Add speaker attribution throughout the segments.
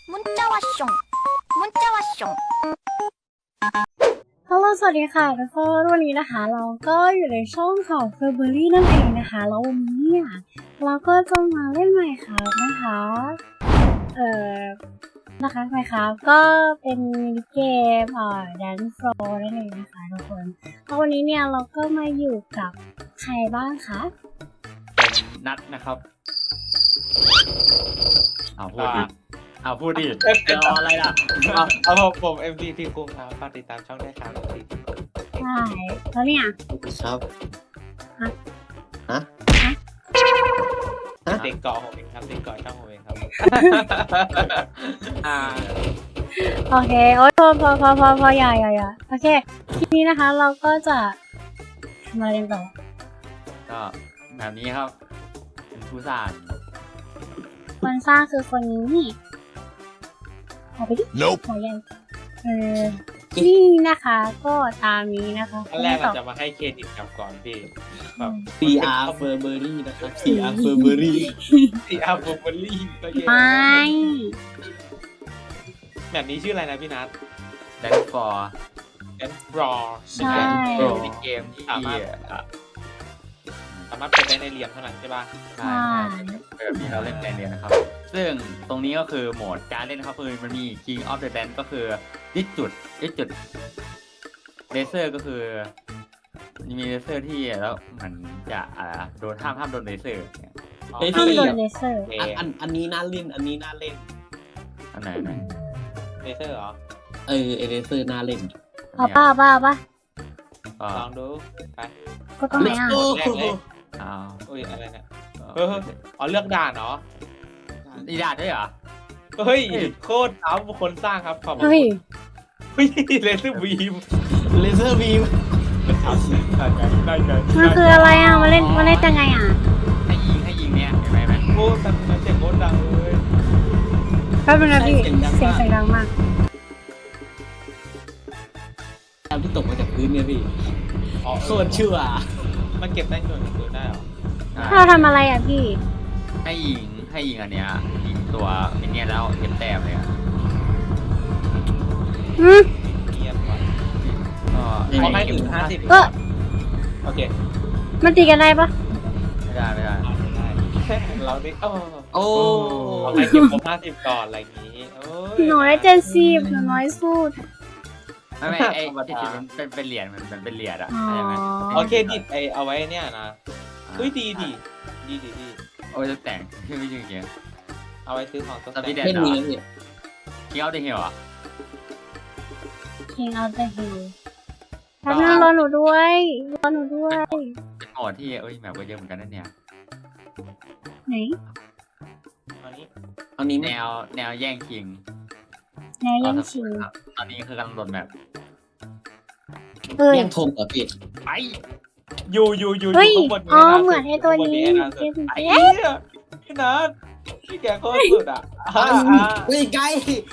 Speaker 1: 문자 왔숑 문자 왔숑
Speaker 2: ฮัลโหลสวัสดีค่ะทุกคนวันนี้นะคะเราก็อยู่ในช่องของ Furberry นั่นเองนะคะแล้ววันนี้เนี่ยเราก็จะมาเล่น Minecraft นะคะMinecraft ก็เป็นมินิเกมDance Floor นั่นเองนะคะทุกคนแล้ววันนี้เนี่ยเราก็มาอยู่กับใครบ้างคะ
Speaker 3: เป็นนัดนะครับพูดดิรออะไรล่ะ
Speaker 4: เอาผม MCT กรุงครับฝากติดตามช่องด้วยครับ MCT กรุง
Speaker 2: ใช่แล้วเนี่ย
Speaker 5: ครับฮะ
Speaker 4: เด็กเกาะผมเองครับเด็กเกาะช่องผมเองครับ
Speaker 2: โอเคโอ๊ยพออย่าโอเคทีนี้นะคะเราก็จะทำอะไรกันต่อ
Speaker 3: ก็แบบนี้ครับ เป็นผู้สร้าง
Speaker 2: คนสร้างคือคนนี้นี่เอาไปดิ
Speaker 5: Nope
Speaker 2: หัวใหญ่นี่นะคะก็ตามนี้นะคะ
Speaker 4: อันแรกเราจะมาให้เครดิตกับก่อนพี่แบบ
Speaker 5: CR Furberry นะครับ CR Furberry
Speaker 4: CR Furberry ก็เยอะ
Speaker 2: ไม่
Speaker 4: แบบนี้ชื่ออะไรนะพี่นัท
Speaker 3: แดนฟอร์
Speaker 4: แอนบรอ
Speaker 2: ใช่
Speaker 3: เป็นเกมที่
Speaker 4: สามารถเป็นได้ในเรียนเท่านั้นใช่ป่ะ
Speaker 3: ใช่แบบนี้เราเล่นในเรียนนะครับ ซึ่งตรงนี้ก็คือโหมดการเล่นครับคือมันมี King of the Dance ก็คือยึดจุดเลเซอร์ก็คือมีเลเซอร์ที่แล้วมันจะโดนห้ามโดนเลเซอร์เนี่ย
Speaker 5: เฮ้ย
Speaker 2: ห้าม
Speaker 5: พี่
Speaker 2: โดนเลเซอร์
Speaker 5: อันนี้น่าเล่น อันนี้น่าเล่น
Speaker 3: อันไหน
Speaker 4: เลเซอร์เหรอ
Speaker 5: เอเลเซอร์น่าเล่น
Speaker 2: เอาป่ะ
Speaker 4: ลองดูไป
Speaker 2: ก็ต้องไหนอ่ะ
Speaker 5: โอ้
Speaker 4: แรกเลย
Speaker 3: อ้าว
Speaker 4: อุ้ยอะไรเนี่ยอ๋อเลือกด่านเนาะ
Speaker 3: อีดาดด้วยเหรอ
Speaker 4: เฮ้ยโคตรเอาคนสร้างครับขอบคุณ
Speaker 2: เฮ้ย
Speaker 4: เลเซอร์บีม
Speaker 5: เลเซอร์บีม
Speaker 4: ได้ใจ
Speaker 2: มันคืออะไรอ่ะมาเล่นยังไงอ่ะ
Speaker 3: ให้ยิงเนี่ยเห็นไหม
Speaker 4: โอ้แต่เสียงโคตรดังเลย
Speaker 2: แป๊บนึงนะพี่เสียงดังมาก
Speaker 5: ตามที่ตกมาจากพื้นเนี่ยพี่
Speaker 4: อ๋อ
Speaker 5: โคตรชั่ว
Speaker 4: มันเก็บได้หน่วยปืนได้เหรอ
Speaker 2: เราทำอะไรอ่ะพี่
Speaker 3: ให้ยิงอันเนี้ยยิงตัวไอ้เนี่ยแล้วเก็บแต้มเลยอ่ะ
Speaker 4: เงียบว่ะ
Speaker 3: ก็
Speaker 4: เขาให้ถึง50
Speaker 2: เออ
Speaker 4: โอเค
Speaker 2: มันตีกันได้ปะ
Speaker 3: ไม่ได้
Speaker 4: ได้เราได้
Speaker 5: โอ้
Speaker 4: เอาไปเก็บครบ50ก่อนอะไรอย่างงี้โอ้ย
Speaker 2: หนูได้70หนูน้อยสุด
Speaker 3: ไม่ไอ้ที่จุดมันเป็นเหรียญมันเป็นเหรียญอ่ะ
Speaker 2: อ๋อ
Speaker 3: ใช่ไหม
Speaker 4: โอเคดิเอาไว้เนี่ยนะเฮ้ยดี
Speaker 3: โอ้ยจะแต่งไม่จริงจริง
Speaker 4: เอาไว้ซื้อของตก
Speaker 3: สปีดแด
Speaker 4: แต่ง
Speaker 3: น
Speaker 5: ไม่มีนะพี่
Speaker 3: คิงเอาได้เหี่ยวอ่ะ
Speaker 2: King of the Hill แป๊บนึงรอหนูด้วย
Speaker 3: เป็นโหมดที่แมปก็เยอะเหมือนกันนั่นเนี่ย
Speaker 2: ไหน
Speaker 4: อันนี้
Speaker 5: อันนี้
Speaker 3: แนวแย่งคิง
Speaker 2: แนวยังชิง
Speaker 3: ตอนนี้คือกำลังโดนแมป
Speaker 2: เอ้ย
Speaker 5: แย่งธงเหรอพี่
Speaker 3: ไป
Speaker 4: อยู่
Speaker 2: เฮ้ย
Speaker 4: ข้างบน
Speaker 2: อ๋อเหมือนไอ้ตัวนี้
Speaker 4: ไอ้เนี่ยพี่นัทพี่แกโคตรสุดอ่ะ
Speaker 5: เฮ้ยไกล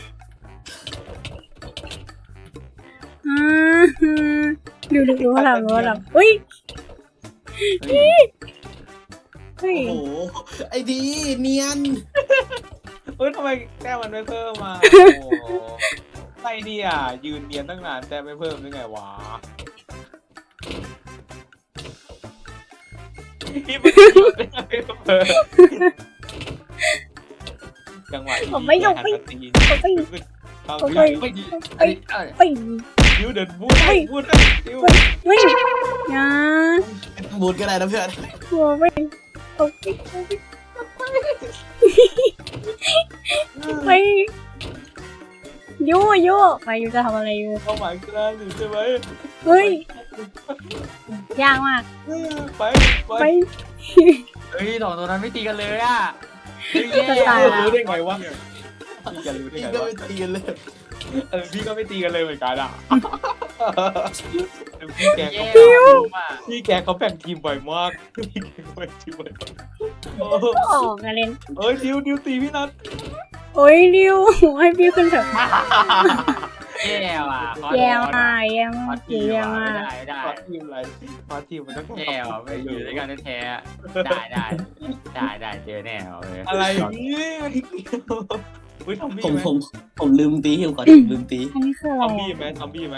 Speaker 2: ดูว่าเราเฮ้ย เฮ้ย
Speaker 5: โอ้โห ไอ้ดีเนียน
Speaker 4: เฮ้ยทำไมแต้มมันไม่เพิ่มมาโอ้ไม่ดีอ่ะยืนเนียนตั้งนานแต่ไม่เพิ่มได้ไงวะพี่ไม่ได้ยืนได้ไงไม่เพิ่มจังหวะที่พี่หันมาตีเข้าดิวเดินพูดดิว
Speaker 2: เฮ้ยนะ
Speaker 5: บูดก็ได้นะเพื่อน
Speaker 2: หัวไม่ตกไปยู่ไปยู่จะทำอะไรอยู่
Speaker 4: เข้าหมายกลางหรือใช่ไหม
Speaker 2: เฮ้ยยากมาก
Speaker 4: ไป
Speaker 2: ไป
Speaker 3: เฮ้ยสองตัวนั้นไม่ตีกันเลยอ่ะ
Speaker 4: รู้ได้ไงวะพี่จะรู้ได้
Speaker 5: พี่
Speaker 4: ไง
Speaker 5: ก็
Speaker 4: วะ
Speaker 5: ไม่ตีกันเลย
Speaker 4: พี่ก็ไม่ตีกันเลยเหมือนกันอ่ะพี่แกเขาแบ่งทีมบ่อยมากพี่แกเขาแบ่งทีมบ่อยมาก
Speaker 2: ออกกันเล่น
Speaker 4: เอ้ยดิวตีพี่นัท
Speaker 2: โอ้ยดิวให้พี่ขึ้นเถอะ
Speaker 3: แย่ว่ะ
Speaker 2: แย่มาก
Speaker 3: ได้
Speaker 4: พาทีมอะไรพาทีมมันต้อง
Speaker 3: แย่ว่ะไม่อยู่ด้วยกันแท้ได้เจอแน่เลย
Speaker 4: อะไรนี่อุ้ยซอมบี้
Speaker 5: ผม
Speaker 4: ไหม
Speaker 5: ผมลืมตีผมขอลืมตี
Speaker 2: อันนี้คือ
Speaker 4: ซ
Speaker 2: อะไร
Speaker 4: อมบี้
Speaker 2: อะ
Speaker 4: ไหมซอมบี้ไหม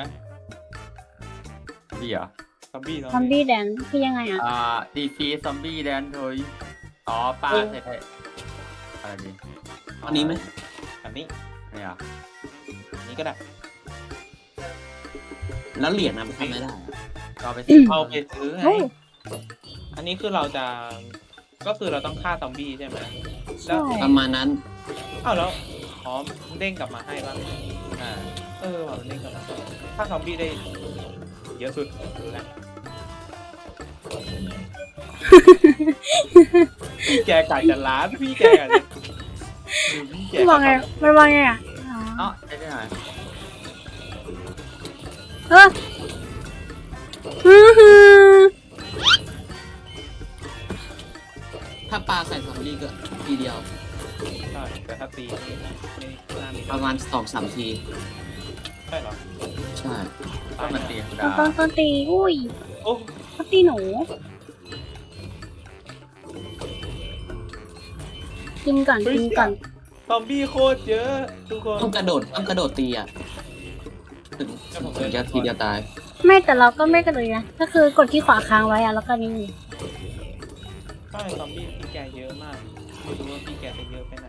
Speaker 3: พี่เหรอ
Speaker 4: ซอมบี้
Speaker 2: ซอมบี้แดนคือยังไงอ่ะ
Speaker 3: ดีฟีซอมบี้แดนโดยอ๋อปลาใส่อะไรดี
Speaker 5: อันนี้ไหม
Speaker 4: อันนี้
Speaker 3: ไม่เหรอ
Speaker 4: อันนี้ก็ได้
Speaker 5: แล้วเหรียญนะมันทำไม่ได้อะ
Speaker 3: ก็ไปซื้อ
Speaker 4: เอาไปซื้อไง
Speaker 2: โอ้
Speaker 4: อันนี้คือเราจะก็คือเราต้องฆ่าซอมบี้ใช่ไหมแล้
Speaker 2: ใช่
Speaker 4: ว
Speaker 5: ประมาณนั้น
Speaker 4: อ้าวแล้วอ๋อเด้งกลับมาให้บ้าง
Speaker 3: อ่า
Speaker 4: ว่ะมันเด้งกลับมาฆ่าซอมบี้ได้เยอะสุดรู้แล้วพี่แกกะจะล้านพี่แกกะจะดูพี่แก
Speaker 2: มันวางไงมันวางไงอ่ะอ๋อ
Speaker 3: เนาะได้หน่อย
Speaker 2: เอออื้อหือ
Speaker 5: ถ้าปลาใส่ซอมบี้ก็ทีเดียว
Speaker 4: ใช่แต่ถ้าตีนี่ไม่น่ามี
Speaker 5: ประมาณ2-3 ที
Speaker 4: ใช่เหรอ
Speaker 5: ใช่
Speaker 3: ก็มันตีธรรม
Speaker 2: ต้
Speaker 3: ดา
Speaker 2: องตีอุ้ย
Speaker 4: โอ้
Speaker 2: ต้องตีหนูกินก่อนกินก่อน
Speaker 4: ซอมบี้โคตรเยอะทุกคน
Speaker 5: ต้องกระโดดตีอ่ะถึงจะทีเดียวตาย
Speaker 2: ไม่แต่เราก็ไม่กระโดดนะก็คือกดที่ขวาค้างไว้อะแล้วก็นี่
Speaker 4: ใช่ซอมบี้พี่แกเยอะมากไม่รู้ว่าพี่แกจะเยอะไปไหน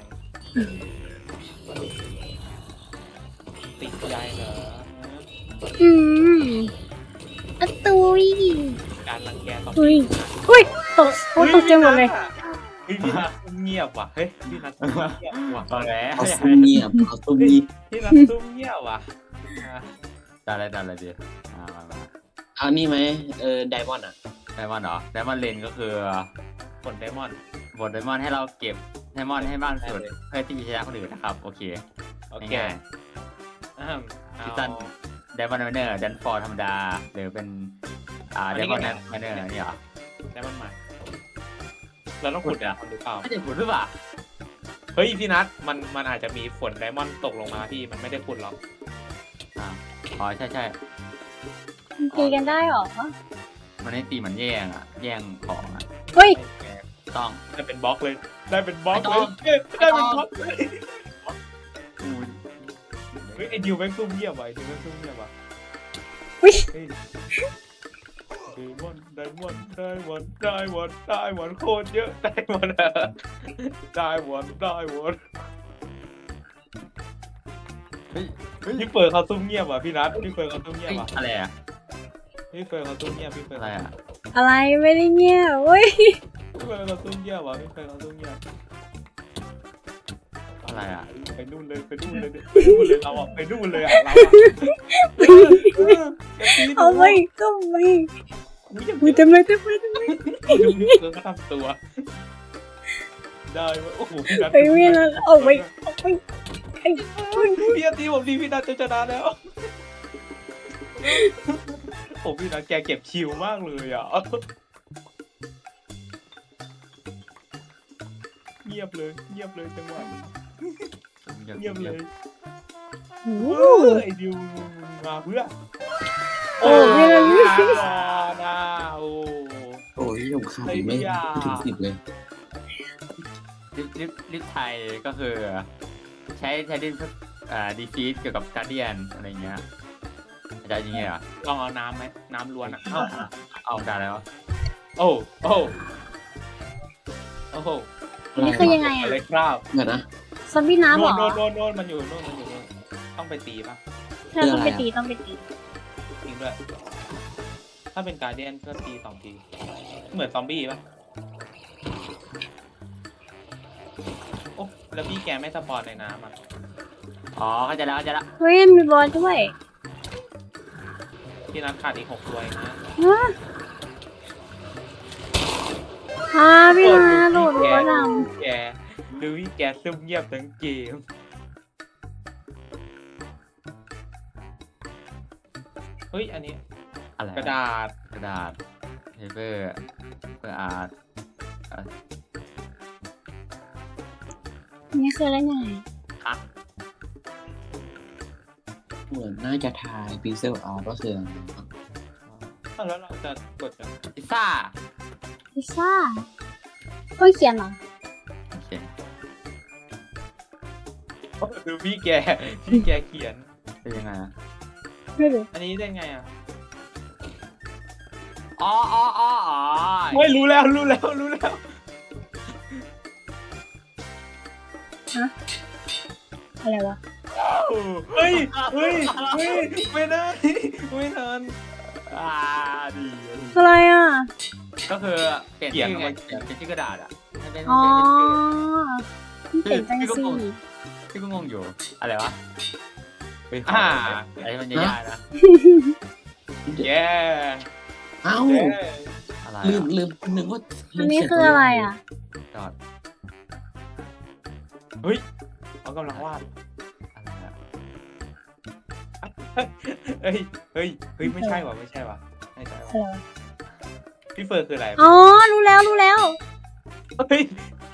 Speaker 4: ติดใจเหรอ
Speaker 2: อืมอะตุย
Speaker 4: การรังแกซอม
Speaker 2: อุ้ย
Speaker 4: บี้
Speaker 2: อุ้ยตกโอ้ตกใจหมดเลย
Speaker 4: เฮ้ยพี่นัทเงียบว่ะเฮ้ยพี่นัทเงียบว่ะ
Speaker 3: ตอนแรก
Speaker 5: เอาซุ่มเงียบเอาซุ่มเงียบ
Speaker 4: พี่นัทซุ่มเงียบว่ะอ่ะ
Speaker 3: ได้อะไรดีมา
Speaker 5: เอานี่ไหมไดมอนด์อ่ะ
Speaker 3: ไดมอนด์เหรอไดมอนด์เลนก็คือ
Speaker 4: ผลไดมอนด์
Speaker 3: บทไดมอนด์ให้เราเก็บไดมอนด์ให้มากที่สุด
Speaker 4: ได้เลย
Speaker 3: เพื่อที่จะชนะคนอื่นนะครับโอเค
Speaker 4: โอเค
Speaker 3: ง่าย
Speaker 4: อ่า
Speaker 3: ๆซีซั่นไดมอนด์ไมเนอร์ดันฟอร์ธรรมดาหรือเป็นไดมอนด์ไมเนอร์นี่เหรอ
Speaker 4: ไดมอนด์ใหม่เราต้องขุด
Speaker 3: ขุดอะ
Speaker 4: หรือเปล่า
Speaker 3: ไม่ได้ขุดหรือเปล่า
Speaker 4: เฮ้ยพี่นัทมันอาจจะมีฝนไดมอนด์ตกลงมาพี่มันไม่ได้ขุดหรอก
Speaker 3: อ๋อใช่
Speaker 2: ตีกันได้หรอ
Speaker 3: มันให้ตีเหมือนแย่งแย่งของ
Speaker 2: เฮ้ย
Speaker 3: ต้อง
Speaker 4: ได้เป็นบล็อกเลย ได้เป็นบล็อก
Speaker 3: ไม่
Speaker 4: เล
Speaker 3: ต้
Speaker 4: ย
Speaker 3: อง
Speaker 4: ได้เป็นบล็อกเลย
Speaker 3: กู
Speaker 4: เฮ้ยไอ้ดิวแม่งซุ่มเงียบว่ะไอ้ดิวแม่งซุ่มเงียบว่ะ
Speaker 2: อุ๊ย
Speaker 4: เฮ้ยไดมอนด์โคตรเยอะไดมอนด์
Speaker 3: เฮ้ย
Speaker 4: พี่เปิดเขาซุ่มเงียบว่ะพี่นัทพี่เปิดเขาซุ่มเงียบว่ะ
Speaker 3: อะไรอะ
Speaker 4: พี่เปิดเขาซุ่มเงียบพี่เปิด
Speaker 3: อะไรอะ
Speaker 2: อะไรไม่ได้เงี้ยเว้ย
Speaker 4: พี่เปิดเขาซุ่มเงียบว่ะพี่เปิดเขาซุ่มเงียบ
Speaker 3: อะไรอะ
Speaker 4: ไปนู่นเลยเราอ่ะไปนู่นเลยอ่ะเราอ่ะ
Speaker 2: เอาไม่ก็ไม่
Speaker 4: อุ้ย
Speaker 2: ทำไม
Speaker 4: ดูเขาทำตัวได้เว้ยโอ้โหพี่นัท
Speaker 2: ไปเวียนแล้วออกไปไอ้
Speaker 4: พี่นัทตีผมดีพี่นัทจะชนะแล้วผมพี่นัทแกเก็บคิวมากเลยอ่ะเงียบเลยจังหวะเงียบเลย
Speaker 2: โอ้
Speaker 4: ไอ้ดิวมาเพื่อ
Speaker 2: โอ้ไม่ได้
Speaker 4: นะโอ้
Speaker 5: โอ้ยผมขาดอีกไม่ถึง10เลย
Speaker 3: ลิฟไทยก็คือ ใช้ดินดีฟีดเกี่ยวกับการเดียนอะไรเงี้ยอาจารย์ยังไงอ่ะ
Speaker 4: ลองเอาน้ำไหมน้ำล้วนอ่ะ
Speaker 3: เอาได้แล้ว
Speaker 4: โอ้โอ้
Speaker 2: นี่คือยังไง
Speaker 4: อะ
Speaker 2: อ่ะ
Speaker 4: ไรครับ
Speaker 5: เดี๋ยวนะ
Speaker 2: ซอมบี้น้ำเหรอ
Speaker 4: โน่นมันอยู่โน่นต้องไปตีป่ะ
Speaker 2: ใช่ต้องไปตี
Speaker 4: จริงด้วยถ้าเป็นการเดียนก็ตี2 ทีเหมือนซอมบี้ป่ะโอ้แล้วพี่แกไม่สปอนในน้ำอ่ะ
Speaker 3: อ๋อเข้าใจแล้ว
Speaker 2: เฮ้ยมีบอลด้วย
Speaker 4: พี่นัทขาดอีก6 ตัวเองนะ
Speaker 2: พี่นาโหลดบอลน
Speaker 4: แกดูพี่แกซุ่มเงียบทั้งเกมเฮ้ยอันนี้
Speaker 3: อะไร
Speaker 4: กระดาษ
Speaker 3: เปเปอร์อาร์ต
Speaker 2: นี่คืออะไรไง
Speaker 5: เหมือนน่าจะทายพิกเซลอาร์ก็คืออะไรนะ
Speaker 4: แล้วเราจะกดยัง
Speaker 3: พิซซ่า
Speaker 2: พิซซ่าเฮ้ยเขียนเหรอ
Speaker 3: เขียน
Speaker 4: ดูพี่แกเขียน
Speaker 3: เป็นยังไงอะ
Speaker 2: ไม่รู้
Speaker 4: อันนี้ได้ไงอ่ะ
Speaker 3: อ๋อ
Speaker 4: ไม่รู้แล้ว
Speaker 2: อะไรวะ
Speaker 4: เฮ้ยไม่ได้ไม่ทัน
Speaker 3: ดี
Speaker 2: อะไรอ่ะ
Speaker 3: ก็คือเปลี่ยน
Speaker 4: เขียน
Speaker 3: ชื่อไง
Speaker 4: เอามาเขียน
Speaker 3: เป็นชื่อกระดาษอ่ะให้เป็น
Speaker 2: อ๋อ
Speaker 3: เป็นชื่อ
Speaker 2: มันเป็นจังซี่
Speaker 3: พี่ก็งงอยู่อะไรวะไปขออะไรที่มันยากๆนะ
Speaker 4: แย่
Speaker 5: เอ้า
Speaker 3: อะไร
Speaker 5: ลืม
Speaker 3: อะ
Speaker 5: นึกว่า
Speaker 2: อันนี้คืออะไรอ่ะ
Speaker 3: จอด
Speaker 4: เฮ้ยเขากำลังวาด
Speaker 3: อะไรอะ
Speaker 4: เฮ้ยไม่ใช่ว่ะไม่ใช่ว่ะ
Speaker 2: อะไรวะ
Speaker 4: พี่เฟิร์นคืออะไร
Speaker 2: อ๋อ รู้แล้ว
Speaker 4: เฮ้ย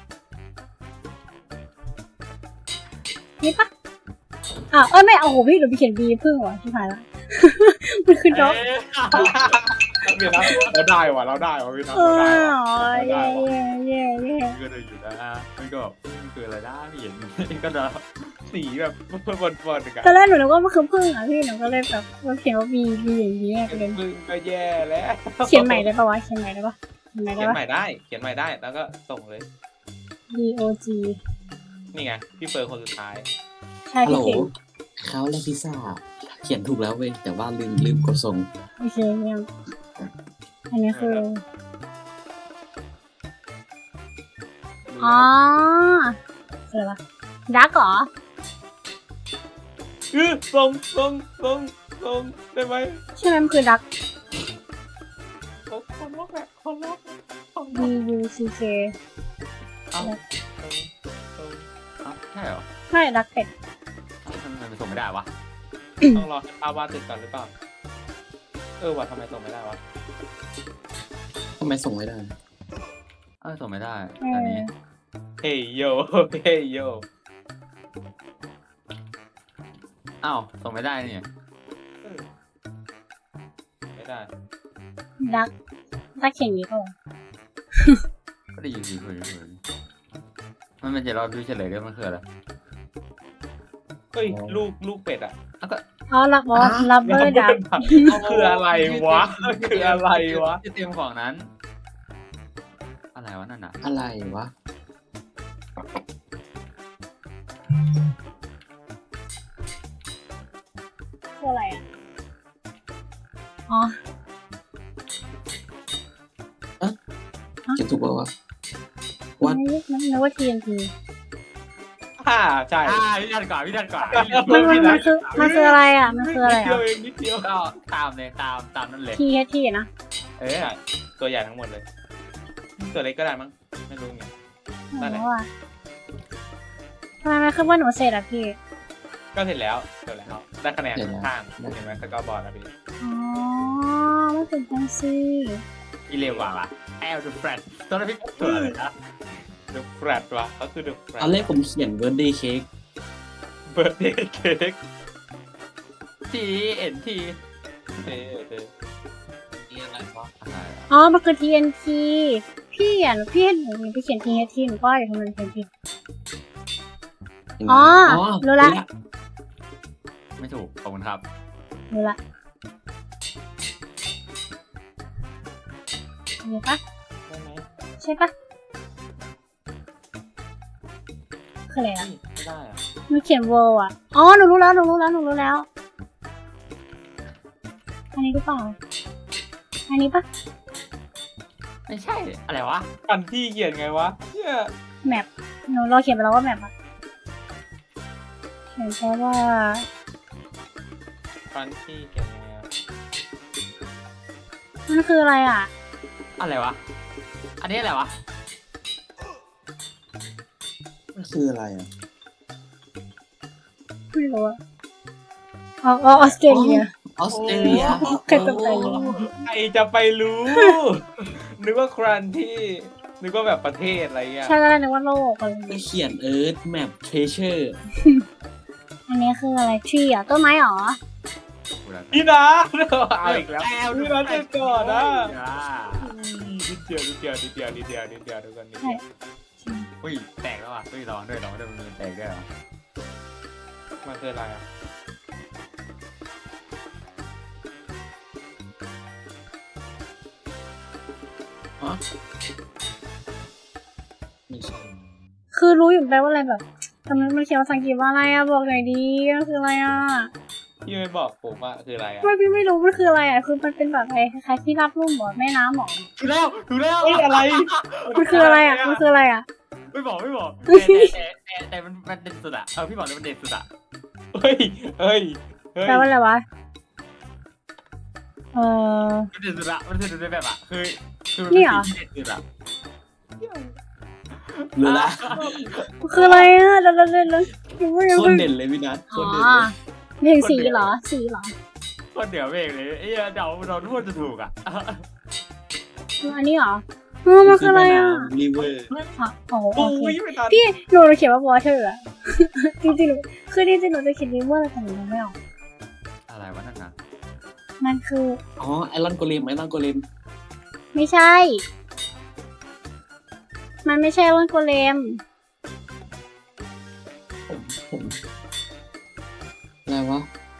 Speaker 2: นี่ปะไม่เอาโหพี่หนูไปเขียนบีพึ่งว่ะที่ผ่านละ มันคือด็อก
Speaker 4: เดี๋ยวนะเราได้ว่ะพี่น้อง
Speaker 2: เอ
Speaker 4: เราได้
Speaker 2: อ
Speaker 4: ว่ะ
Speaker 2: เย่
Speaker 3: ก็เลยอยู่นะมันก็มันคืออะไรนะไม่เห็นก็เดา
Speaker 4: สีแบบบนกัน
Speaker 2: ตอนแรกหนูนึกว่ามันคือพึ่งอ่ะพี่หนูก็เลยแบบว่าเขียนว่าบีอย่างนี้ไปเลย
Speaker 4: มึงก็แย่แล้ว
Speaker 2: เขียนใหม่ได้ปะวะเขียนใหม่ได้ปะ
Speaker 4: เขียนใหม่ได้แล้วก็ส่งเลย
Speaker 2: D O G
Speaker 4: นี่ไงพี่เฟิร์นคนสุดท้าย
Speaker 2: ใช่
Speaker 5: ฮัลโหล
Speaker 2: พี่เก่ง
Speaker 5: เขาและพิซซ่า เขียนถูกแล้วเว้ยแต่ว่าลืมกดส่ง
Speaker 2: โอเคยังอันนี้คืออ๋ออะไรวะดักเหรอ
Speaker 4: ส่งได้ไหม
Speaker 2: ใช่ไหมมันคือดัก
Speaker 4: คนล็อกแหละคนล็อก
Speaker 2: D U C K
Speaker 3: เอ้าใช่เหรอ
Speaker 2: ไม่ดักเป็ด
Speaker 3: ทำไมมันส่งไม่ได้วะ
Speaker 4: ต้องรอให้ป้าวาดเสร็จก่อนหรือเปล่าว่ะทำไมส่งไม่ได้วะ
Speaker 5: ทำไมส่งไม่ได้
Speaker 3: ส่งไม่ได้อันนี้
Speaker 4: เฮ้ยโย
Speaker 3: อ้าวส่งไม่ได้นี่
Speaker 4: ไม่ได้
Speaker 2: ดักเขียนอย่างนี้ก็
Speaker 3: ก็ได้ยินสิคุยมันจะรอดูเฉลยด้วยมันคืออะไร
Speaker 4: เฮ้ยลูกเป็ดอ่ะ
Speaker 3: แล้วก็
Speaker 2: อ๋อลักบอสลับเบอร์ดัก
Speaker 4: คืออะไรวะคืออะไรวะ
Speaker 3: ที่เตรียมของนั้น อะไรวะนั่นน่ะ
Speaker 5: อะไรวะ
Speaker 2: คืออะไรอ่ะอ๋อ
Speaker 5: เขียนถูกป่าวะ วัด
Speaker 2: มันนึกว่า TNT
Speaker 4: ใช่
Speaker 3: พี่ดันก่อน
Speaker 2: มันคืออะไรอ่ะมันคืออะไร
Speaker 4: นิดเดียว
Speaker 2: อ่ะ
Speaker 4: เองนิดเดียว
Speaker 3: ก็ตามเลยตามนั่นเลย
Speaker 2: THT นะ
Speaker 4: ตัวใหญ่ทั้งหมดเลย ตัวเล็กก็ได้มั้งไม่รู้ไง นั่นแหละ
Speaker 2: อ๋อทำไมมันขึ้นว่าหนูเสร็จอ่ะพี่
Speaker 4: ก็เสร็จแล้วได้คะแนนข้างๆเห็นไหมสกอร์บอร์ดนะพี่
Speaker 2: อ๋อมันเป็นจังซี่
Speaker 3: อีเลวะแอลดูแฟรชตัวนั้นพี่ตัวอะไรนะ
Speaker 4: เดอะแฟรดวะก็คือเดอะแฟรด
Speaker 5: ตอนแรกผมเขียนเบิร์ดเดย์เค้ก
Speaker 4: เบิร์ดเดย์เค้ก
Speaker 3: ทีเอ็นที
Speaker 5: นี่อะไรวะ
Speaker 3: อะไรอะ
Speaker 2: อ๋อมันคือ TNT พี่เห็นหนูไปเขียน THT หนูก็อยู่ทำไมมันเป็น TNT อ๋อรู้ละ
Speaker 3: ไม่ถูกขอบคุณครับ
Speaker 2: รู้ละนี่ปะ
Speaker 4: ได้ไหม
Speaker 2: ใช่ปะคืออะไรอ่ะ
Speaker 4: ไม่ได้อะ
Speaker 2: มันเขียน world อ่ะอ๋อหนูรู้แล้ว อันนี้หรือเปล่าอันนี้ปะ
Speaker 3: ไม่ใช่อะไรวะ
Speaker 4: กันที่เขียนไงวะเนี่ย
Speaker 2: แมปหนูรอเขียนไปแล้วว่าแมปอ่ะเขียนแค่ว่า
Speaker 4: กันที่เขียนยังไงอะ
Speaker 2: มันคืออะไรอ่ะ
Speaker 3: อะไรวะอันนี้อะไรวะ
Speaker 5: มันคืออะไรอ่ะ
Speaker 2: ไม่รู้อะอ๋อออสเตรเลีย
Speaker 5: ออสเตรเลีย
Speaker 2: ใครจะไปรู้
Speaker 4: ใครจะไปรู้ นึกว่าครันที่นึกว่าแบบประเทศอะไรเงี้ย
Speaker 2: ใช่แล้วนึกว่าโลกอะไรอย่าง
Speaker 5: ไป
Speaker 2: เงี้ย
Speaker 5: เขียนเอิร์ธแมปเทเชอร์
Speaker 2: อันนี้คืออะไรทรีอ่ะต้นไม้เหรอ
Speaker 4: พี่นะเอาอีกแล้ว
Speaker 3: แอลดู
Speaker 4: พี่นะเสร็จก่อนนะ
Speaker 3: อ่า
Speaker 4: นิดเดียวทุกคนนิดเดียว
Speaker 2: ใช่
Speaker 3: อุ้ยแตกแล้วอ่ะอุ้ยร้องด้วยมันแตกด้วยเหรอ
Speaker 4: มันคืออะไรอ่ะ
Speaker 5: ฮะไม่ใช่
Speaker 2: คือรู้อยู่แปลว่าอะไรแบบทำไมมันเขียนภาษาอังกฤษว่าอะไรอะบอกหน่อยดีมันคืออะไรอะ
Speaker 4: พี่ไม่บอกผมว่าคืออะไรอ่ะ
Speaker 2: ไม่พี่ไม่รู้มันคืออะไรอะคือมันเป็นแบบอะไรคล้ายๆที่รับรุ่มบ่อแม่น้ำหรอ
Speaker 3: ถูกแล้วถูกแล้ว
Speaker 4: เฮ้ยอะไร
Speaker 2: มันคืออะไรอะมันคืออะไรอะ
Speaker 3: ไม่บอกแต่มันเด่นสุดอะพี่บอกเลยมันเด่นสุดอะ
Speaker 4: เฮ้ยเฮ้ยเฮ้ย
Speaker 2: แปลว่าอะไรวะเออ
Speaker 3: มันเด่นสุดอะมันเด่นสุดในแบบอะคือมัน
Speaker 2: นี่
Speaker 3: เป็น
Speaker 2: เหรอ
Speaker 3: สิ่งที่เด่นสุดอะ
Speaker 5: รู้ละ
Speaker 2: มันคืออะไรอะเดี๋ยว
Speaker 5: โคตรเด่นเลยพี่นัทโค
Speaker 2: อ๋อ
Speaker 5: ตรเด่นเลย
Speaker 2: เพลงสีเหรอสีเหรอ
Speaker 3: คนเดี๋ยวเองเลยไอ้เราพูดจะถูกอะ
Speaker 2: อันนี้เหรอมันคืออะไรอะ
Speaker 5: รีเวอร์
Speaker 2: อ๋อโอ
Speaker 4: โอ้
Speaker 2: เค
Speaker 4: ยไม่ทัน
Speaker 2: พี่หนูเขียนว่า water อะ จริงๆหนูคือจริงๆหนูจะเขียน river แต่หนูยังไม่ออก
Speaker 3: อะไรวะนั่นนะ
Speaker 2: มันคือ
Speaker 5: อ๋อไอรอนโกเลม
Speaker 2: ไม่ใช่ มันไม่ใช่วันโกเลม
Speaker 5: ผมอะไรวะ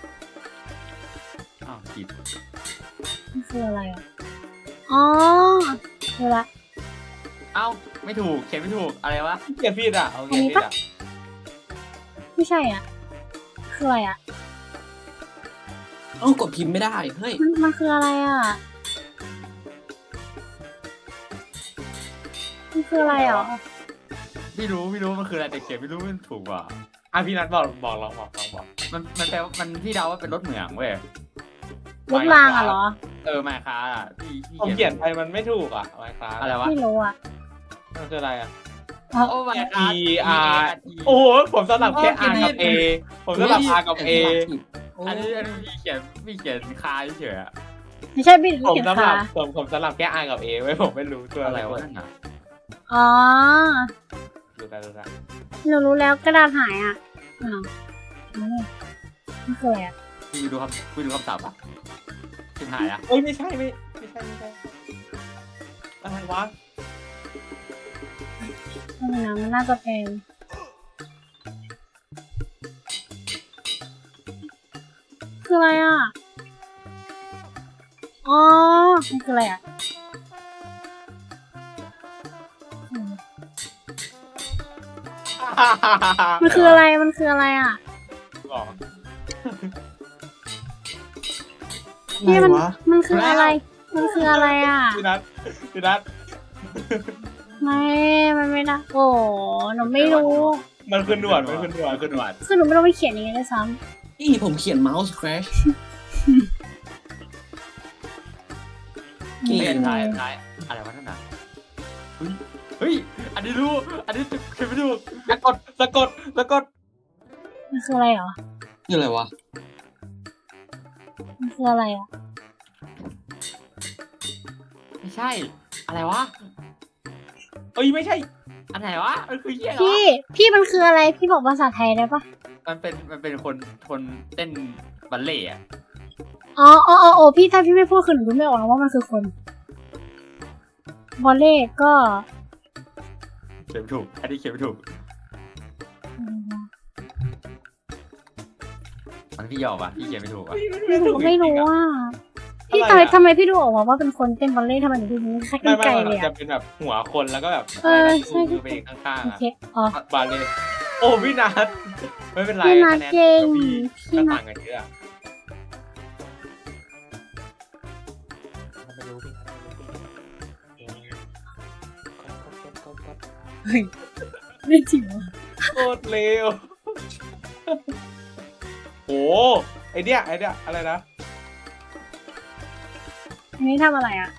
Speaker 3: อ้าวผิด
Speaker 2: มันคืออะไรอ่ะ อ๋อคือละ
Speaker 3: เอ้าไม่ถูกเขียนไม่ถูกอะไรวะ
Speaker 4: เขียนผิดอ่ะเอาเขียนผิดอ่ะ
Speaker 2: ไม่ใช่อ่ะ คืออะไรอ่ะ
Speaker 5: เอ้ากดพิมพ์ไม่ได้เฮ้ย
Speaker 2: มันคืออะไรอ่ะ มันคืออะไรอ่ะ
Speaker 3: ไม่รู้มันคืออะไรแต่เขียนไม่รู้มันถูกว่ะ
Speaker 4: อ่ะพี่นัทบอกลองบอก
Speaker 3: มันแปลว่ามันพี่เดาว่าเป็นรถเหมืองเว้ย
Speaker 2: รถรางอ่ะเหรอ
Speaker 3: มาคาอ่ะพี่
Speaker 4: ผมเขียนไปมันไม่ถูกอ่ะไมค์คลาส
Speaker 3: อะไรวะ
Speaker 2: ไม่รู้อ่ะ
Speaker 4: มันคืออะไรอ่ะ
Speaker 3: โอ้มาคา
Speaker 4: E R โอ้โหผมสลับแค่ R กับ A ผมสลับ R กับ A
Speaker 3: อันนี้พี่เขียนคาเฉยๆอะ
Speaker 2: ไม่ใช่พี่
Speaker 4: ผม
Speaker 2: เขียน
Speaker 4: สลั
Speaker 2: ขา
Speaker 4: บผมสลับแค่ R กับ A ไว้ผมไม่รู้ตัว
Speaker 3: อะ
Speaker 4: อะไร ไร
Speaker 3: วะ
Speaker 4: วะ
Speaker 3: นั่นน่ะ
Speaker 2: อ๋อ
Speaker 4: ดูได้
Speaker 2: หนูรู้แล้วกระดาษหายอ่ะอ้าวนี่มันคืออะไรอ่ะ
Speaker 3: พี่ดูคำศัพท์อ่ะชิบหายอ่ะ
Speaker 4: เอ้ยไม่ใช่อะไรวะ
Speaker 2: มันน่าจะเป็นคืออะไรอ่ะ อ๋อ มันคืออะไรอ่ะ มันคืออะไร มันคืออะไรอ่ะ
Speaker 4: บอก
Speaker 2: นี่มัน
Speaker 5: อะไรวะ
Speaker 2: มันคืออะไร มันคืออะไรอ่ะ
Speaker 4: พี่นัท
Speaker 2: ไม่ มันไม่ได้โอ้หนูไม่รู้
Speaker 4: มันคือหนวด
Speaker 3: คือหนวด
Speaker 2: คือหนูไม่รู้ไปเขียนยังไงด้วยซ้
Speaker 5: นี่ผมเขียนเมาส์ crash
Speaker 2: ำ
Speaker 5: เก่ง
Speaker 3: เล่นท้ายอะไรวะนั่นน่ะเฮ้ยอันนี้รู้อันนี้เขียนไม่ถูก
Speaker 4: สะกด
Speaker 2: มันคืออะไรเหรอ
Speaker 5: นี่อะไรวะ
Speaker 2: มันคืออะไรอ่ะ
Speaker 3: ไม่ใช่อะไรวะ
Speaker 4: เอ้ยไม่ใช่
Speaker 3: อันไหนวะมันคือเหี้ยเหรอ
Speaker 2: พี่มันคืออะไร พี่บอกภาษาไทยได้ปะ
Speaker 3: มันเป็นคนเต้นบัลเล่ต์อะ
Speaker 2: อ๋อพี่ถ้าพี่ไม่พูดคือหนูรู้ไม่ออกนะว่ามันคือคนบอลเล่ก็
Speaker 3: เขียนไม่ถูกอันนี้เขียนไม่ถูกมันพี่ยอกอ่ะพี่เขียนไม่ถูกอ่ะ
Speaker 2: ไม่รู้ว่าพี่
Speaker 4: อะไรอะ
Speaker 2: ทำไมพี่ดูออกมาว่าเป็นคนเต้นบอลเล่ทำไมถึงดูนี้แค่
Speaker 4: ไม่
Speaker 2: ไกล
Speaker 4: มัน
Speaker 2: เลย
Speaker 4: จะ
Speaker 2: อะ
Speaker 4: เป็นแบบหัวคนแล้วก็แบบ
Speaker 2: เออ
Speaker 4: อะไรนะ
Speaker 2: ใช่
Speaker 4: มือไปข้างๆ
Speaker 2: โอ
Speaker 4: อ่ะ
Speaker 2: เคอ๋อบ
Speaker 4: าเล่โอ้พี่นัทไม่เป็นไร
Speaker 2: พี่นัท
Speaker 4: คะแนน
Speaker 2: เก่ง
Speaker 4: พี่
Speaker 2: พี่
Speaker 4: ก็
Speaker 2: นัท
Speaker 4: ต่างกันเยอะไม่รู้พี่นัท
Speaker 2: ไม่จริงวะ
Speaker 4: โคตรเร็วโอ้ไอเดียอะไรนะ
Speaker 2: อันนี้ทำอะไรอ่ะ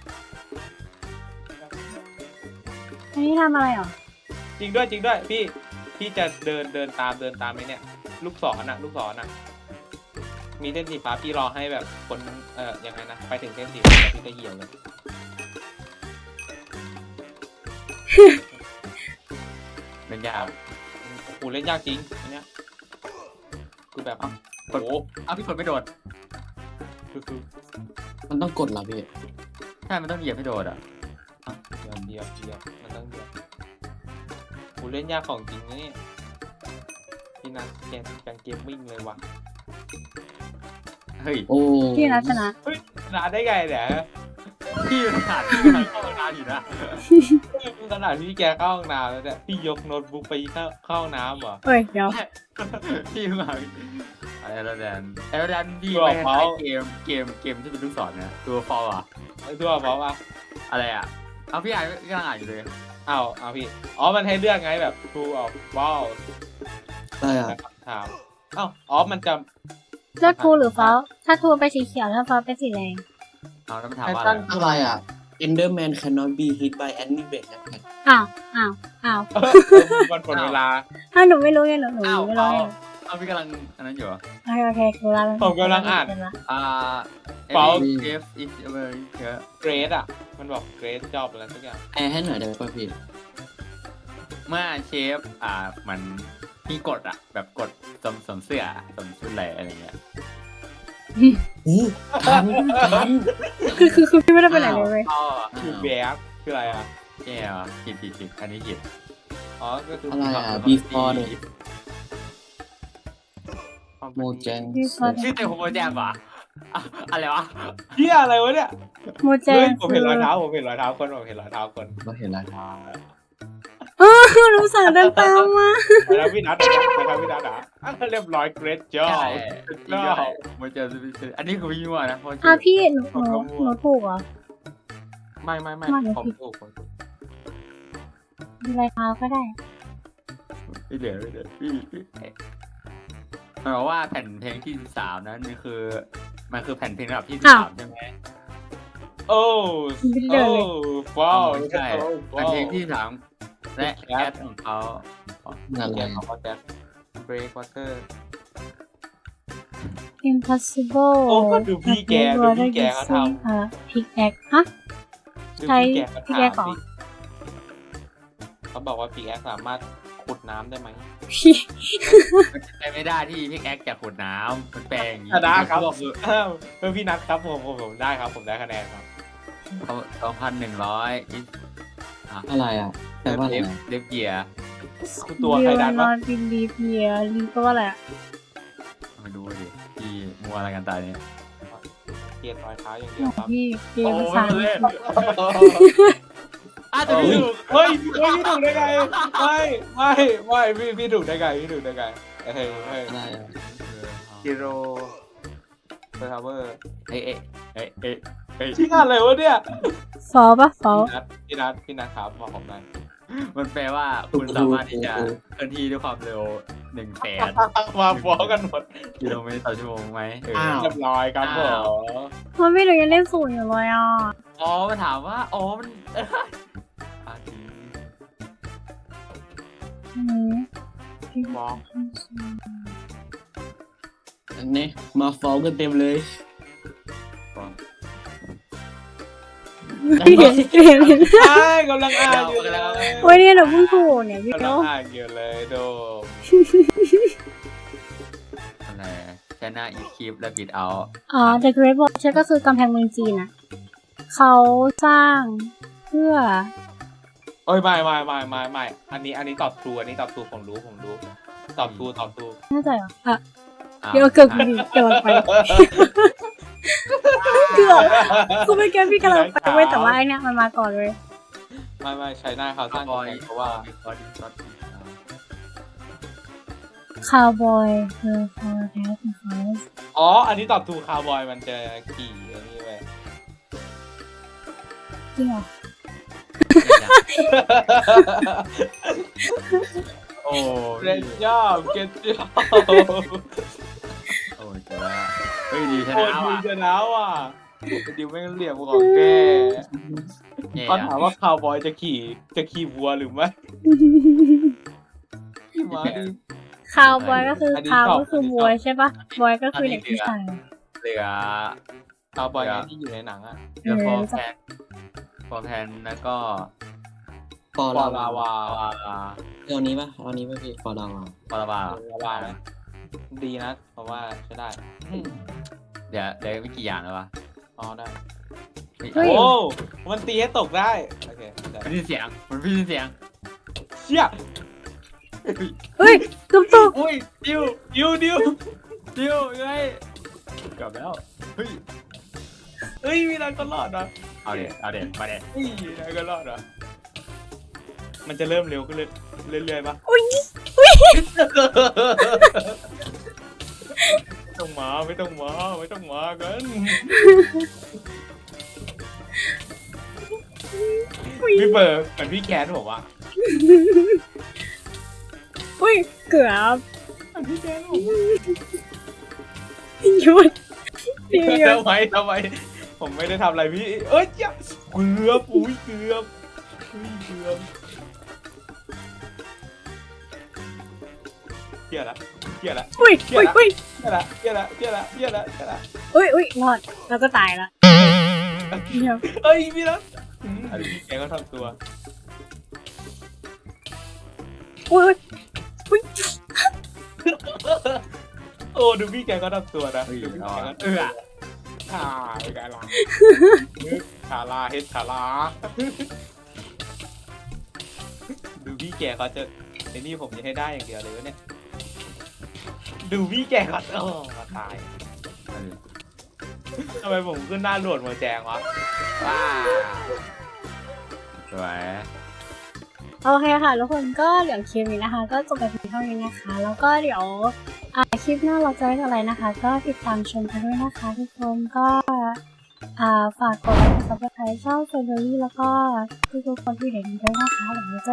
Speaker 2: อันนี้ทำอะไรอ่ะ
Speaker 4: จริงด้วยพี่จะเดินตามไอ้เนี่ยลูกศรน่ะมีเส้นสีฟ้าพี่รอให้แบบคนยังไงนะไปถึงเส้นสีฟ้าพี่ก็เหยียบเลย
Speaker 3: เป็นยาก
Speaker 4: โอ้เล่นยากจริงอันเนี้ยคือแบบ
Speaker 3: กดพี่กดไม่โดด
Speaker 4: คือ
Speaker 5: มันต้องกดเหรอพี่
Speaker 3: ใช่มันต้องเหยียบให้โดดอ่ะ
Speaker 4: เดียวมันต้องเดียวโอ้เล่นยากของจริงนะเนี่ยพี่นัทแกงเกมมิ่งเลยว่ะ
Speaker 3: เฮ้ย
Speaker 5: โอ้
Speaker 2: พี่นัทชนะ
Speaker 4: เฮ้ยชนะได้ไงเนี่ย
Speaker 3: พี่ขาดที่กำลังเข้าห้องน้ำอยู่นะ
Speaker 4: ขนาดที่แกเข้าห้องน้ำแล้วเนี่ยพี่ยกโน้ตบุ๊กไปเข้าห้องน้ำเหรอ
Speaker 2: เอ้ยเดี๋ยว
Speaker 3: พี่มาอะไรแล้วแดนพี่ไม่ใช้เกมที่เป็นลูกศรนะตัวฟอลอะ
Speaker 4: ไอ้ตัวเพราะว่า
Speaker 3: อะไรอะเอาพี่อ่านกำลังอ่านอยู่เลย
Speaker 4: เอาพี่มันให้เลือกไงแบบ true or false
Speaker 5: อะไรอ่ะ
Speaker 4: ถามมันจะ
Speaker 2: เลือกทูหรือฟ้าถ้าทูเป็นสีเขียวถ้าฟ้าเป็นสีแดง
Speaker 3: เอาแล้วมันถาม
Speaker 4: ไอ้
Speaker 3: ว่า
Speaker 4: ตั้น
Speaker 5: อะไรอ่ะ Enderman cannot be hit by any bait attack
Speaker 2: อ้าว
Speaker 4: มันหมดเวลา
Speaker 2: ถ้าหนูไม่รู้ไงหนู
Speaker 3: อ้าว
Speaker 2: ไม่รู้ไง
Speaker 3: เอาพี่กำลังอันนั้นอยู่
Speaker 2: โอเคคือเรา
Speaker 4: ผมกำลังอ่าน
Speaker 3: False
Speaker 5: False
Speaker 3: if is America
Speaker 4: เกรดอ่ะมันบอกเกรดจอบอะไรสักอย่าง
Speaker 5: แอร์ให้หน่อยได้ป่ะพี่
Speaker 3: เมื่อเชฟมันมีกฎอะแบบกฎสวมเสื้อสวมชุดอะไรเงี้ย
Speaker 5: อู้ทัน
Speaker 2: คือพี่ไม่ได้ไปไหนเลยเว้ย
Speaker 3: อ๋อ
Speaker 4: คือแบกคืออะไรอ่ะ
Speaker 3: แย่ผิดอันนี้ผิด
Speaker 4: ก็คือ
Speaker 5: อะไรอ่ะ before เนี่ยโมแจง
Speaker 3: ชื่อเต็มของโมแจมป่ะอะไรวะ
Speaker 4: เหี้ยอะไรวะเนี่ย
Speaker 2: โมเจ
Speaker 4: เฮ้ย
Speaker 2: น
Speaker 4: ผมเห็นรอยเท้าคนผมเห็นรอยเท้าคน
Speaker 5: เราเห็นรอยเท้า
Speaker 2: หนูสั่งเดินตามมา
Speaker 4: แล้วพี่นัทเรียบร้อยเกรดจอ
Speaker 3: ใช่
Speaker 4: บ
Speaker 3: โมแจมอันนี้คือพี่มั่วนะเพราะ
Speaker 2: พี่หนูถูกเหรอ
Speaker 4: ไม่ผมถูก
Speaker 2: ดูรายเท้าก็ได้
Speaker 3: ไม่เหลือพี่มันบอกว่าแผ่นเพลงที่13นั้นมันคือแผ่นเพลงระดับที่13ใช่ไหม
Speaker 4: โอ้ว้าว
Speaker 3: ไม่ใช่แผ่นเพลงที่13และแคทของเขา
Speaker 5: นั่นแห
Speaker 4: เรีย
Speaker 5: ละ
Speaker 4: นของเขาแจ๊คเบรกวอเตอร์
Speaker 2: impossible
Speaker 4: โอ้ดูพี่แกเขาทำ
Speaker 2: พิกแอคฮะ ใช้พี่แกขอ
Speaker 4: เขาบอกว่าปีแอคสามารถขุดน้ำได้ไหม
Speaker 3: มันใช้ไม่ได้ที่พิกแอคจากขวดน้ำมันแปลงอย่างนี้
Speaker 4: ชนะครับพี่นัทครับผมได้ครับผมได้คะแนนครับ
Speaker 3: เขา2,100
Speaker 5: อะไรอ่ะแปลว่าอะไร
Speaker 3: เล็บเกียร์
Speaker 4: ตัวใครดัน
Speaker 2: น
Speaker 4: วะ
Speaker 2: อนบินลีเพียลีก็ว่าอะไรอะ
Speaker 3: มาดูดิที่มัวอะไรกันตายเนี่ย
Speaker 4: เกียร์รอยเท้าอย่างเดียวครับ
Speaker 2: พี่เกม
Speaker 3: โอ้
Speaker 2: ภาษา
Speaker 3: มันเล่นแต่
Speaker 4: เฮ้
Speaker 3: พี่
Speaker 4: ย
Speaker 3: ถูก
Speaker 4: พี่ถูกได้ไงไม่พี่ถูกได้ไงเฮ้ย
Speaker 5: อะไรอ่ะ
Speaker 4: กิโลเฟอร์ทาวเวอร์
Speaker 3: เอ้ย
Speaker 4: ชื่ออะไรวะเนี่ย
Speaker 2: ฟอปะฟอ
Speaker 4: พี่นัทครับบอกผมหน่อย
Speaker 3: มันแปลว่าคุณสามารถที่จะเคลื่อนที่ด้วยความเร็ว 100,000
Speaker 4: มาฟ้องกันหมด
Speaker 3: กิโลเมตรต่อชั่วโมงไหม
Speaker 4: เรียบร้อยครับผม
Speaker 2: มันไม่หนูยังเล่นศูนย์อยู่เลยอ่ะ
Speaker 3: อ๋อมันถามว่าอ๋อมันจริง
Speaker 4: ฟ้อง
Speaker 5: อันนี้มาฟ้องกันเต็มเลย
Speaker 2: เห็น
Speaker 4: ใช่กำลังอ่านอยู่เลย
Speaker 2: โอ้ยเนี่ยหนูเพิ่งถูกเนี่ยพี่
Speaker 4: กำลั
Speaker 2: โน้
Speaker 4: งอ่านอยู่เลยโดม
Speaker 3: อะไรชนะอีคลิปและบิดเอา
Speaker 2: อ๋อ The Great Wall ใช่ก็คือกำแพงเมืองจีนอ่ะเขาสร้างเพื่อ
Speaker 4: โอ้ยไม่อันนี้ตอบถูกผมรู้ตอบถูก
Speaker 2: น่าจะเหรออ่ะเดี๋ยวเกือบดีกำลังไปเกือบคือไม่แก้พี่กำลังไปเว้ยแต่ว่าไอเนี่ยมันมาก่อนเลย
Speaker 4: ไม่ใช้หน้าเขาสร้าง
Speaker 3: บอย
Speaker 4: เพราะว่า
Speaker 2: Cowboy the Forecast House
Speaker 4: อ๋ออันนี้ตอบถูกคาวบอยมันจะขี่อันนี้เว้ย
Speaker 2: จริงเหรอ
Speaker 3: โอ้
Speaker 4: เล่นยอบเก็ตยอบ
Speaker 3: โอ้ยเจ๋งแล้วเฮ้ยดีช
Speaker 4: โอ้
Speaker 3: นะ
Speaker 4: ย
Speaker 3: ว่ะ
Speaker 4: ชนะว่ะดิวแม่งเหลี่ยมของแกเขาถามว่าคาวบอยจะขี่วัวหรือไม่ขี่ม้าดิ
Speaker 2: Cowboy ก็คือ cow ก็คือวัวใช่ปะ boy ก็คือเด็กผู้ชาย
Speaker 3: เหลือ
Speaker 4: คาวบอยที่อยู่ในหนังอะ
Speaker 3: เหลือฟอร์แพนแล้วก็
Speaker 5: ฟอร์
Speaker 4: ปอ
Speaker 5: ลา
Speaker 4: ลาว
Speaker 5: า
Speaker 4: า
Speaker 5: เอานี้ป่ะพี่ฟอร์ลาวา
Speaker 3: ฟอร์บา
Speaker 4: ลาวาไหมดีนะเพราะว่าใช้ได้
Speaker 3: เดี๋ยวไม่กี่อย่างแล้ววะ
Speaker 4: อ๋อได้
Speaker 2: เฮ้ย
Speaker 4: โอ้มันตีให้ตกได้โอเคได้
Speaker 3: มันพี่เสียง
Speaker 4: เชี่ย
Speaker 2: เฮ้ยกบตก
Speaker 3: อุ้ยดิวยังไงกลับแล้วเฮ้ย
Speaker 4: เฮ้ยมีนายก็รอดนะ
Speaker 3: เอาเด็มาเด็
Speaker 4: เฮ้ยนายก็รอดนะมันจะเริ่มเร็วขึ้นเรื่อยๆปะ
Speaker 2: อุ้ย
Speaker 4: ไม่ต้องมากันพี่เบิร์ดเหมือนพี่แคนผมอะ
Speaker 2: อุ้ยเกือบ
Speaker 4: เหมือนพี่แคนผม
Speaker 2: หยุดหยุด
Speaker 4: ทำไมผมไม่ได้ทำอะไรพี่เอ้ยเกือบอุ้ยเกือบเหี้ยละ
Speaker 2: อุ้ยอุ้ยอุ้ย
Speaker 4: เหี้ยละ
Speaker 2: อุ้ยรอดแล้วก็ตายละเดี๋ยว
Speaker 4: เอ้ยพี่นะพี่แกก็ทำตัว
Speaker 2: อุ้ยอุ้ย
Speaker 4: โอ้ดูพี่แกก็ทำตัวนะ
Speaker 3: เฮ้ย
Speaker 4: ดูพี่
Speaker 3: เอา
Speaker 4: แก
Speaker 3: อะ
Speaker 4: ก็เป็นไงล่ะชาลาเฮ็ดชาลาดูพี่แกเขาจะไอ้นี่ผมจะให้ได้อย่างเดียวเลยวะเนี่ยดูพี่แกเขามาตายทำไมผมขึ้นหน้าโหลดมาแจงวะว้า
Speaker 3: สวย
Speaker 2: โอเคค่ะทุกคนก็เดี๋ยวคลิปนี้นะคะ ก็จบไปเพียงเท่านี้นะคะ แล้วก็เดี๋ยวคลิปหน้าเราจะได้อะไรนะคะ ก็ติดตามชมกันด้วยนะคะทุกคนก็ฝากกดไลค์กดซับสไครต์ช่องเฟอร์รี่แล้วก็ทุกคนที่เห็นด้วยนะคะเดี๋ยวเราจะ